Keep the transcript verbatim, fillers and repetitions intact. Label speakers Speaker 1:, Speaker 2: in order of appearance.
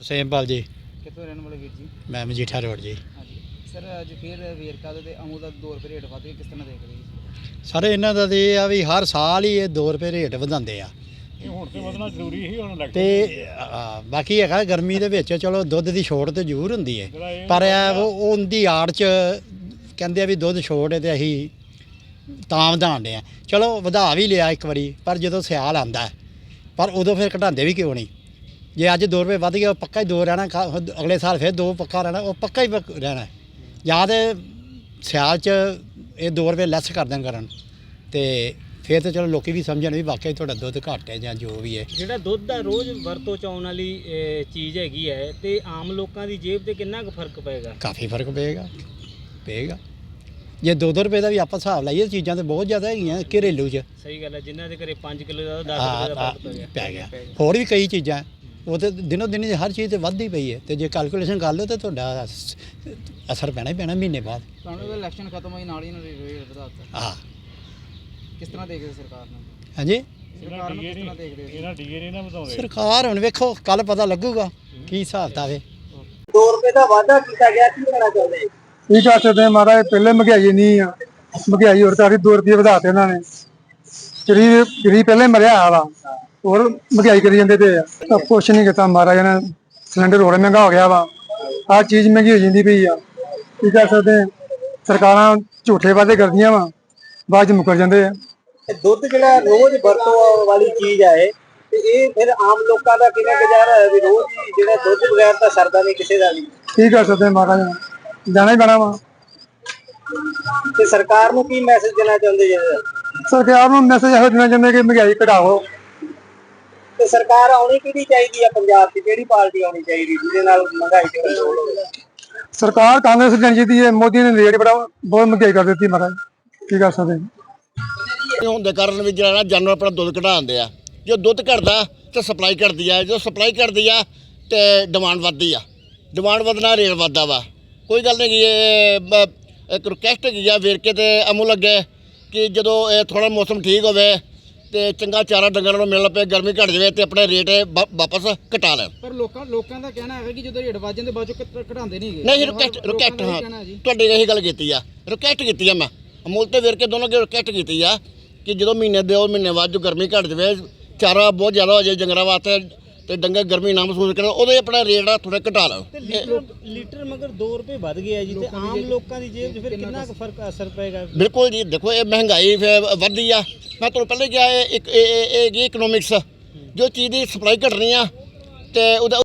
Speaker 1: ਸੇਮਪਾਲ ਜੀ।
Speaker 2: ਕਿੱਥੋਂ ਰਹਿਣ ਵਾਲੇ ਵੀਰ ਜੀ?
Speaker 1: ਮੈਂ ਮਜੀਠਾ ਰੋਡ ਜੀ।
Speaker 2: ਹਾਂਜੀ ਸਰ, ਅੱਜ ਫਿਰ ਵੇਰਕਾ ਦਾ ਤੇ ਅਮੂ ਦਾ ਦੋ ਰੁਪਏ ਰੇਟ ਵੱਧ ਗਏ, ਕਿਸ ਤਰ੍ਹਾਂ ਦੇਖਦੇ ਜੀ?
Speaker 1: ਸਰ ਇਹਨਾਂ ਦਾ ਤਾਂ ਇਹ ਆ ਵੀ ਹਰ ਸਾਲ ਹੀ ਇਹ ਦੋ ਰੁਪਏ ਰੇਟ ਵਧਾਉਂਦੇ ਆ
Speaker 3: ਇਹ ਹੁਣ ਤੇ ਵਧਣਾ ਜ਼ਰੂਰੀ ਸੀ ਹੁਣ
Speaker 1: ਤੇ ਆ, ਬਾਕੀ ਹੈਗਾ ਗਰਮੀ ਦੇ ਵਿੱਚ ਚਲੋ ਦੁੱਧ ਦੀ ਛੋਟ ਤੇ ਜ਼ਰੂਰ ਹੁੰਦੀ ਹੈ, ਪਰ ਇਹ ਉਹ ਉਹਦੀ ਆੜ 'ਚ ਕਹਿੰਦੇ ਆ ਵੀ ਦੁੱਧ ਛੋਟ ਹੈ ਤੇ ਅਸੀਂ ਤਾਂ ਵਧਾਉਣ ਦੇ ਆ। ਚਲੋ ਵਧਾ ਵੀ ਲਿਆ ਇੱਕ ਵਾਰੀ, ਪਰ ਜਦੋਂ ਸਿਆਲ ਆਉਂਦਾ ਪਰ ਉਦੋਂ ਫਿਰ ਘਟਾਉਂਦੇ ਵੀ ਕਿਉਂ ਨਹੀਂ? ਜੇ ਅੱਜ ਦੋ ਰੁਪਏ ਵੱਧ ਗਿਆ ਉਹ ਪੱਕਾ ਹੀ ਦੋ ਰਹਿਣਾ, ਅਗਲੇ ਸਾਲ ਫਿਰ ਦੋ ਪੱਕਾ ਰਹਿਣਾ, ਉਹ ਪੱਕਾ ਹੀ ਪੱਕ- ਰਹਿਣਾ। ਜਾਂ ਤਾਂ ਸਿਆਲ 'ਚ ਇਹ ਦੋ ਰੁਪਏ ਲੈਸ ਕਰ ਦੇਣ ਕਰਨ ਤੇ ਫਿਰ ਤਾਂ ਚਲੋ ਲੋਕੀ ਵੀ ਸਮਝਣ ਵੀ ਵਾਕਿਆ ਤੁਹਾਡਾ ਦੁੱਧ ਘੱਟ ਹੈ ਜਾਂ ਜੋ ਵੀ ਹੈ।
Speaker 4: ਜਿਹੜਾ ਦੁੱਧ ਦਾ ਰੋਜ਼ ਵਰਤੋਂ 'ਚ ਆਉਣ ਵਾਲੀ ਅਹ, ਚੀਜ਼ ਹੈਗੀ ਹੈ ਤੇ ਆਮ ਲੋਕਾਂ ਦੀ ਜੇਬ ਤੇ ਕਿੰਨਾ ਕੁ ਫਰਕ ਪਏਗਾ?
Speaker 1: ਕਾਫੀ ਫਰਕ ਪਏਗਾ ਪਏਗਾ ਜੇ ਦੋ ਦੋ ਰੁਪਏ ਦਾ ਵੀ ਆਪਾਂ ਹਿਸਾਬ ਲਾਈਏ, ਚੀਜ਼ਾਂ ਤਾਂ ਬਹੁਤ ਜ਼ਿਆਦਾ ਹੈਗੀਆਂ ਘਰੇਲੂ 'ਚ।
Speaker 4: ਸਹੀ ਗੱਲ ਹੈ, ਜਿਨ੍ਹਾਂ ਦੇ ਘਰੇ ਪੰਜ ਕਿਲੋ ਦਾ ਦਸ ਰੁਪਏ ਦਾ ਫਰਕ ਪੈ ਗਿਆ
Speaker 1: ਪੈ ਗਿਆ। ਹੋਰ ਵੀ ਕਈ ਚੀਜ਼ਾਂ ਉਹ ਤਾਂ ਦਿਨੋਂ ਦਿਨ ਹਰ ਚੀਜ਼ ਤੇ ਵੱਧਦੀ ਪਈ ਹੈ, ਤੇ ਜੇ ਕੈਲਕੂਲੇਸ਼ਨ ਕਰ ਲਓ ਤਾਂ ਤੁਹਾਡਾ ਅਸ- ਅਸਰ ਪੈਣਾ ਹੀ ਪੈਣਾ ਮਹੀਨੇ ਬਾਅਦ।
Speaker 2: ਤੁਹਾਨੂੰ ਤਾਂ ਇਲੈਕਸ਼ਨ ਖਤਮ ਹੋਈ ਨਾਲ ਹੀ ਇਹਨਾਂ ਨੇ ਰੇਟ ਵਧਾ ਦਿੱਤਾ,
Speaker 1: ਹਾਂ
Speaker 2: ਕਿਸ ਤਰ੍ਹਾਂ ਦੇਖਦੇ ਸਰਕਾਰ ਨੂੰ?
Speaker 1: ਹਾਂਜੀ
Speaker 2: ਸਰਕਾਰ ਨੂੰ ਕਿਸ ਤਰ੍ਹਾਂ ਦੇਖਦੇ ਹੋ?
Speaker 3: ਇਹਨਾਂ ਡੀਏ ਨਹੀਂ ਨਾ ਵਧਾਉਂਦੇ।
Speaker 1: ਸਰਕਾਰ ਹੁਣ ਵੇਖੋ ਕੱਲ ਪਤਾ ਲੱਗੂਗਾ ਕੀ ਹਿਸਾਬ ਤਾਵੇ।
Speaker 2: ਦੋ ਰੁਪਏ ਦਾ ਵਾਅਦਾ ਕੀਤਾ ਗਿਆ, ਕੀ ਕਹਿਣਾ ਚਾਹੁੰਦੇ?
Speaker 5: ਕੀ ਕਰ ਸਕਦੇ ਹਾਂ ਮਹਾਰਾਜ, ਪਹਿਲੇ ਮਹਿੰਗਾਈ ਨਹੀਂ ਆ, ਮਹਿੰਗਾਈ ਹੋਰ ਕਾਫੀ ਦੋ ਰੁਪਏ ਵਧਾਤੇ ਇਹਨਾਂ ਨੇ। ਗਰੀਬ ਗਰੀਬ ਪਹਿਲੇ ਮਰਿਆ ਆ ਵਾ, ਹੋਰ ਮਹਿੰਗਾਈ ਕਰੀ ਜਾਂਦੇ ਤੇ ਆ। ਕੁਛ ਨਹੀਂ ਕੀਤਾ ਮਹਾਰਾਜ ਨੇ, ਸਿਲੰਡਰ ਹੋਰ ਮਹਿੰਗਾ ਹੋ ਗਿਆ ਵਾ, ਹਰ ਚੀਜ਼ ਮਹਿੰਗੀ ਹੋ ਜਾਂਦੀ ਪਈ ਆ। ਕੀ ਕਰ ਸਕਦੇ ਹਾਂ, ਸਰਕਾਰਾਂ ਝੂਠੇ ਵਾਅਦੇ ਕਰਦੀਆਂ ਵਾ, ਬਾਅਦ ਚ ਮੁੱਕਰ ਜਾਂਦੇ ਆ।
Speaker 2: ਦੁੱਧ ਜਿਹੜਾ ਰੋਜ਼ ਵਰਤੋਂ ਵਾਲੀ ਚੀਜ਼ ਹੈ ਤੇ ਇਹ ਫਿਰ ਆਮ ਲੋਕਾਂ ਦਾ ਕਿਵੇਂ ਗੁਜ਼ਾਰਾ ਹੈ ਵੀ ਰੋਜ਼ ਹੀ ਜਿਹੜਾ ਦੁੱਧ ਬਗੈਰ ਤਾਂ ਸਰਦਾ ਨਹੀਂ ਕਿਸੇ ਦਾ ਵੀ।
Speaker 5: ਕੀ ਕਰ ਸਕਦੇ ਹਾਂ ਮਹਾਰਾਜ, ਜਾਣਾ ਹੀ ਪੈਣਾ ਵਾ।
Speaker 2: ਤੇ ਸਰਕਾਰ ਨੂੰ ਕੀ ਮੈਸੇਜ ਦੇਣਾ ਚਾਹੁੰਦੇ ਜੀ?
Speaker 5: ਸਰਕਾਰ ਨੂੰ ਮੈਸੇਜ ਇਹੋ ਦੇਣਾ ਚਾਹੁੰਦੇ ਕਿ ਮਹਿੰਗਾਈ ਘਟਾਓ।
Speaker 2: ਤੇ ਸਰਕਾਰ ਆਉਣੀ ਕਿਹੜੀ ਚਾਹੀਦੀ ਆ ਪੰਜਾਬ 'ਚ, ਕਿਹੜੀ ਪਾਰਟੀ ਆਉਣੀ ਚਾਹੀਦੀ ਜਿਹਦੇ ਨਾਲ ਮਹਿੰਗਾਈ ਤੇ ਕੰਟਰੋਲ ਹੋਵੇ?
Speaker 5: ਸਰਕਾਰ ਕਾਂਗਰਸ ਜਾਣੀ ਚਾਹੀਦੀ ਹੈ, ਮੋਦੀ ਨੇ ਰੇਟ ਬੜਾ ਬਹੁਤ ਮਹਿੰਗਾਈ ਕਰ ਦਿੱਤੀ ਮਹਾਰਾਜ, ਕੀ ਕਰ ਸਕਦੇ ਹਾਂ।
Speaker 6: ਹੋਣ ਦੇ ਕਾਰਨ ਵੀ ਜਿਹੜਾ ਨਾ ਜਾਨਵਰ ਆਪਣਾ ਦੁੱਧ ਘਟਾਉਂਦੇ ਆ। ਜੋ ਦੁੱਧ ਘਟਦਾ ਤੇ ਸਪਲਾਈ ਘਟਦੀ ਆ, ਜੋ ਸਪਲਾਈ ਘਟਦੀ ਆ ਤੇ ਡਿਮਾਂਡ ਵੱਧਦੀ ਆ, ਡਿਮਾਂਡ ਵਧਣਾ ਰੇਟ ਵੱਧਦਾ ਵਾ। ਕੋਈ ਗੱਲ ਨਹੀਂ, ਇਹ ਇੱਕ ਰਿਕੁਐਸਟ ਹੈਗੀ ਆ ਵੇਰਕੇ ਤੇ ਅਮੂ ਲੱਗੇ ਕਿ ਜਦੋਂ ਇਹ ਥੋੜਾ ਮੌਸਮ ਠੀਕ ਹੋਵੇ ਤੇ ਚੰਗਾ ਚਾਰਾ ਡੰਗਰਾਂ ਨੂੰ ਮਿਲਣ ਪਏ, ਗਰਮੀ ਘਟ ਜਾਵੇ ਤੇ ਆਪਣੇ ਰੇਟ ਵਾਪਸ ਘਟਾ ਲੈਣ।
Speaker 2: ਪਰ ਲੋਕਾਂ ਲੋਕਾਂ ਦਾ ਕਹਿਣਾ ਹੈਗਾ ਕਿ ਜਦੋਂ ਰੇਟ ਵੱਧ ਜਾਂਦੇ ਬਾਅਦ ਚੋਂ ਘਟਾਉਂਦੇ ਨਹੀਂ ਹੈਗੇ।
Speaker 6: ਨਹੀਂ ਰਿਕੁਐਸਟ ਰਿਕੁਐਸਟ ਹਾਂ ਤੁਹਾਡੀ ਇਹੀ ਗੱਲ ਕੀਤੀ ਆ, ਰਿਕੁਐਸਟ ਕੀਤੀ ਆ ਮੈਂ ਅਮੂਲ ਤੇ ਵੇਰਕੇ ਦੋਨੋਂ ਅੱਗੇ ਰਿਕੁਐਸਟ ਕੀਤੀ ਆ ਕਿ ਜਦੋਂ ਮਹੀਨੇ ਦੋ ਮਹੀਨੇ ਬਾਅਦ ਜੋ ਗਰਮੀ ਘਟ ਜਾਵੇ, ਚਾਰਾ ਬਹੁਤ ਜ਼ਿਆਦਾ ਹੋ ਜਾਏ ਡੰਗਰਾਂ ਵਾਸਤੇ ਤੇ ਡੰਗਰ ਗਰਮੀ ਨਾ ਮਹਿਸੂਸ ਕਰਨ, ਉਹਦੇ ਆਪਣਾ ਰੇਟ ਆ ਥੋੜਾ ਘਟਾ ਲਓ।
Speaker 4: ਤੇ ਲੀਟਰ ਲੀਟਰ ਮਗਰ ਦੋ ਰੁਪਏ ਵੱਧ ਗਿਆ ਜੀ, ਤੇ ਆਮ ਲੋਕਾਂ ਦੀ ਜੇਬ 'ਚ ਫਿਰ ਕਿੰਨਾ ਕੁ ਫਰਕ ਅਸਰ ਪਏਗਾ?
Speaker 6: ਬਿਲਕੁਲ ਜੀ, ਦੇਖੋ ਇਹ ਮਹਿੰਗਾਈ ਫਿਰ ਵੱਧਦੀ ਆ। ਮੈਂ ਤੁਹਾਨੂੰ ਪਹਿਲੇ ਕਿਹਾ ਇਹ ਇੱਕ ਇਹ ਇਕਨੋਮਿਕਸ, ਜੋ ਚੀਜ਼ ਦੀ ਸਪਲਾਈ ਘਟਣੀ ਆ ਤੇ ਉਹਦਾ